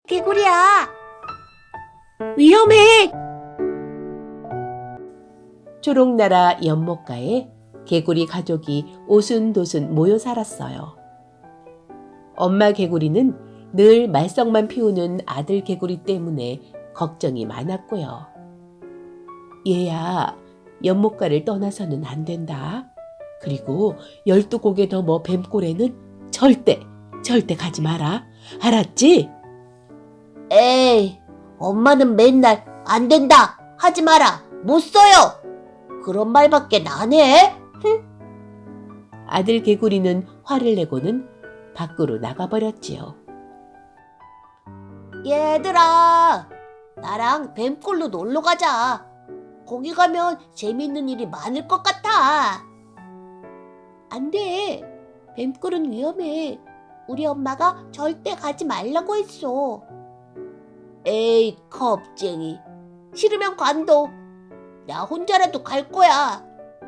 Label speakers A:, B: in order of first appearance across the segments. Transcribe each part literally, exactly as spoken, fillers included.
A: 개구리야! 위험해!
B: 초록나라 연못가에 개구리 가족이 오순도순 모여 살았어요. 엄마 개구리는 늘 말썽만 피우는 아들 개구리 때문에 걱정이 많았고요. 얘야, 연못가를 떠나서는 안 된다. 그리고 열두 곡에 넘어 뱀골에는 절대, 절대 가지 마라. 알았지?
A: 에이, 엄마는 맨날 안 된다, 하지 마라, 못 써요. 그런 말밖에 안 해?
B: 아들 개구리는 화를 내고는 밖으로 나가버렸지요.
A: 얘들아, 나랑 뱀골로 놀러 가자. 거기 가면 재밌는 일이 많을 것 같아. 안 돼. 뱀골은 위험해. 우리 엄마가 절대 가지 말라고 했어. 에이, 겁쟁이. 싫으면 관둬. 나 혼자라도 갈 거야.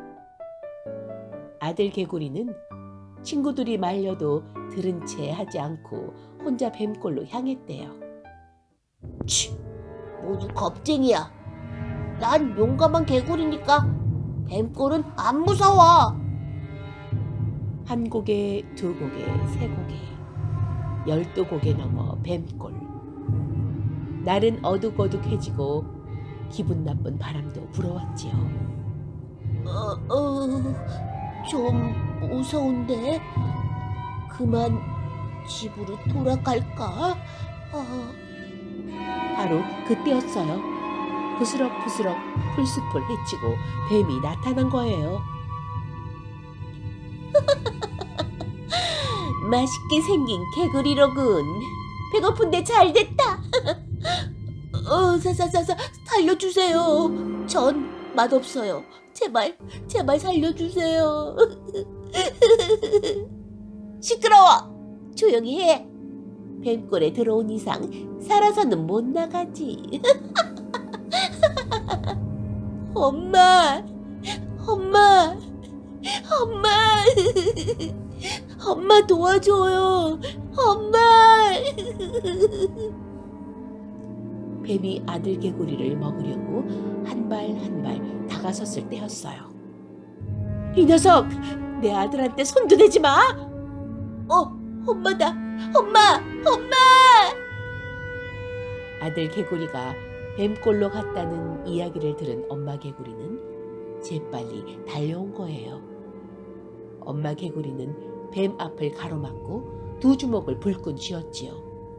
B: 아들 개구리는 친구들이 말려도 들은 채 하지 않고 혼자 뱀골로 향했대요.
A: 치, 모두 겁쟁이야. 난 용감한 개구리니까 뱀골은 안 무서워.
B: 한 곡에, 두 곡에, 세 곡에, 열두 곡에 넘어 뱀골. 날은 어둑어둑해지고 기분 나쁜 바람도 불어왔지요.
A: 어, 어, 좀 무서운데? 그만 집으로 돌아갈까? 어,
B: 바로 그때였어요. 부스럭부스럭 풀숲을 헤치고 뱀이 나타난 거예요.
A: 맛있게 생긴 개구리로군. 배고픈데 잘 됐다. 어, 사사사사 살려주세요. 전 맛없어요. 제발, 제발 살려주세요. 시끄러워. 조용히 해. 뱀골에 들어온 이상 살아서는 못 나가지. 엄마, 엄마, 엄마, 엄마 도와줘요. 엄마.
B: 뱀이 아들 개구리를 먹으려고 한 발 한 발 다가섰을 때였어요. 이 녀석! 내 아들한테 손도 대지 마!
A: 어, 엄마다. 엄마, 엄마!
B: 아들 개구리가 뱀골로 갔다는 이야기를 들은 엄마 개구리는 재빨리 달려온 거예요. 엄마 개구리는 뱀 앞을 가로막고 두 주먹을 불끈 쥐었지요.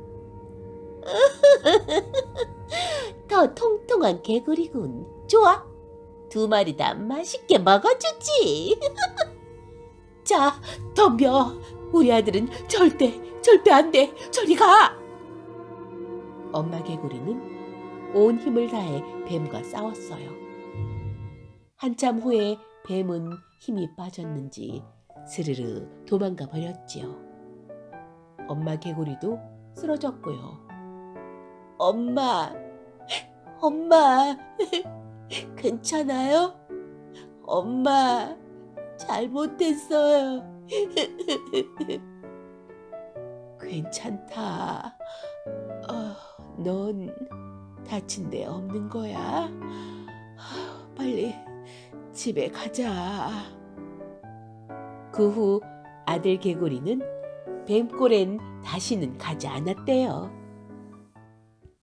A: 더 통통한 개구리군. 좋아. 두 마리 다 맛있게 먹어주지.
B: 자, 덤벼. 우리 아들은 절대, 절대 안 돼. 저리 가. 엄마 개구리는 온 힘을 다해 뱀과 싸웠어요. 한참 후에 뱀은 힘이 빠졌는지 스르르 도망가 버렸지요. 엄마 개구리도 쓰러졌고요.
A: 엄마, 엄마, 괜찮아요? 엄마, 잘못했어요.
B: 괜찮다. 어, 넌 다친 데 없는 거야? 빨리 집에 가자. 그 후 아들 개구리는 뱀골엔 다시는 가지 않았대요.